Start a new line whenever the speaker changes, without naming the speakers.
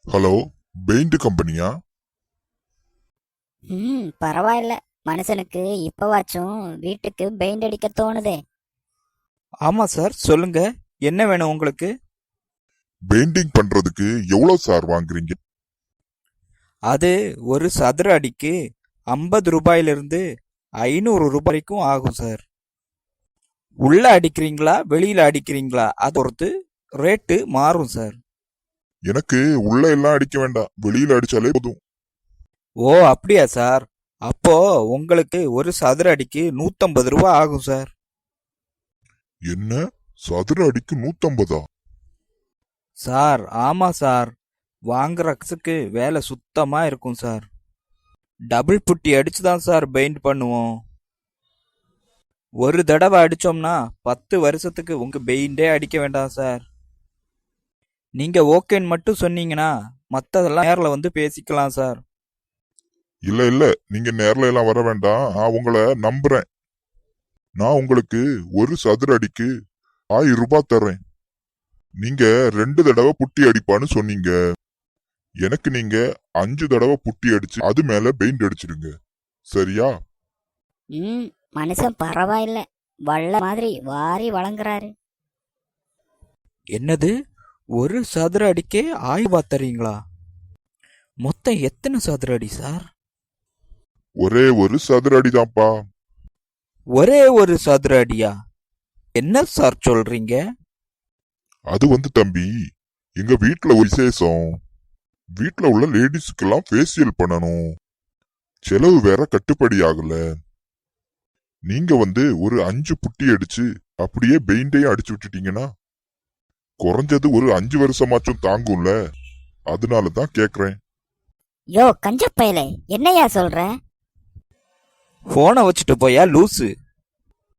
Hello, paint கம்பெனியா?
பரவாயில்ல. மனுஷனுக்கு இப்பவாச்சும் வீட்டுக்கு பெயிண்ட் அடிக்க தோணுதே.
ஆமா சார், சொல்லுங்க. என்ன வேணும் உங்களுக்கு?
பெயிண்டிங் பண்றதுக்கு எவ்வளவு சார் வாங்குறீங்க?
அது ஒரு சதுர அடிக்கு 50 ரூபாயிலிருந்து 500 ரூபாய்க்கும் ஆகும் சார். உள்ள அடிக்கிறீங்களா வெளியில அடிக்கிறீங்களா அதை பொறுத்து ரேட்டு மாறும் சார்.
எனக்கு உள்ள எல்லாம் அடிக்க வேண்டாம், வெளியில அடிச்சாலே போதும்.
ஓ அப்படியா சார்? அப்போ உங்களுக்கு ஒரு சதுர அடிக்கு 150 ரூபாய் ஆகும் சார்.
என்ன, சதுர அடிக்கு 150?
சார் ஆமா சார், வாங்குற காசுக்கு வேலை சுத்தமா இருக்கும் சார். டபுள் புட்டி அடிச்சு தான் சார் பெயிண்ட் பண்ணுவோம். ஒரு தடவை அடிச்சோம்னா 10 வருஷத்துக்கு உங்க பெயிண்டே அடிக்க வேண்டாம் சார். நீங்க ஓகேன்னு மட்டும் சொன்னீங்கன்னா மத்ததெல்லாம் நேர்ல வந்து பேசிக்கலாம் சார்.
இல்ல இல்ல, நீங்க நேர்ல எல்லாம் வர வேண்டாம், நான் உங்களை நம்புறேன். நான் உங்களுக்கு ஒரு சதுர அடிக்கு 1000 ரூபாய் தர்றேன். நீங்க 2 தடவை புட்டி அடிப்பான்னு சொன்னீங்க. எனக்கு நீங்க 5 தடவை புட்டி அடிச்சு அது மேல பெயிண்ட் அடிச்சிடுங்க, சரியா?
மனுஷன் பரவாயில்ல, வள்ள மாதிரி வாரி வழங்குறாரு.
என்னது, ஒரு சதுர அடிக்கே 1000 ரூபாய் தரீங்களா? மொத்தம் எத்தனை சதுர அடி சார்?
ஒரே ஒரு சதுர அடிதான்ப்பா.
ஒரே ஒரு சதுர அடியா? என்ன சார் சொல்றீங்க?
அது தம்பி, எங்க வீட்ல ஒரு விசேஷம். வீட்ல உள்ள லேடிஸ்க்கெல்லாம் ஃபேஷியல் பண்ணணும். செலவு வேற கட்டுப்படி ஆகல. நீங்க ஒரு 5 புட்டி அடிச்சு அப்படியே பெயிண்டையும் அடிச்சு விட்டுட்டீங்கன்னா குறைஞ்சது ஒரு 5 வருஷமாச்சும் தாங்கும்ல. அதனாலதான் கேக்குறேன்.
யோ கஞ்சப்பயலே, என்னையா சொல்ற?
போனை வச்சுட்டு போயா லூசு?